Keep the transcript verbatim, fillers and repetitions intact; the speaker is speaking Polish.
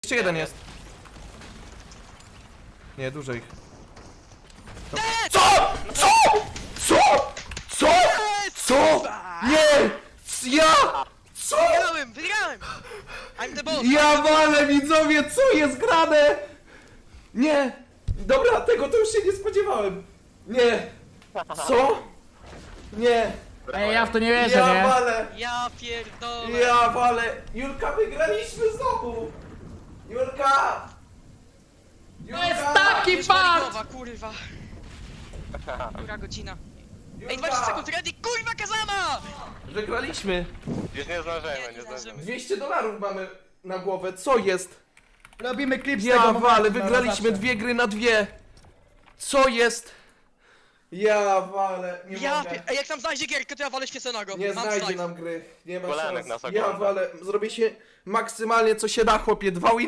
Jeszcze jeden jest. Nie, dużo ich. Co? Co? Co? Co? Co? Nie! Ja! Co? Wygrałem, wygrałem! I'm the boss! Ja walę, widzowie, co jest grane? Nie! Dobra, tego to już się nie spodziewałem. Nie! Co? Nie! Ej, ja w to nie wierzę, Ja nie? walę! Ja pierdolę! Ja walę! Julka, wygraliśmy znowu! Julka! To jest taki Już fart! Marigowa, kurwa! Która godzina? Ej, dwadzieścia sekund, ready, kurwa Kazama! Wygraliśmy! Już nie zdążymy, Nie, nie nie zdążymy. zdążymy. dwieście dolarów mamy na głowę, co jest? Robimy klip z Ja tego walę, momentu na wygraliśmy zawsze. dwie gry na dwie! Co jest? Ja walę, nie Ja mogę. pier... Ej, jak tam znajdzie gierkę, to ja walę świeconego. Nie Mam znajdzie slajd. nam gry, nie ma Kolanek szans. nas Ja ogląda. walę, zrobię się maksymalnie co się da, chłopie, dwa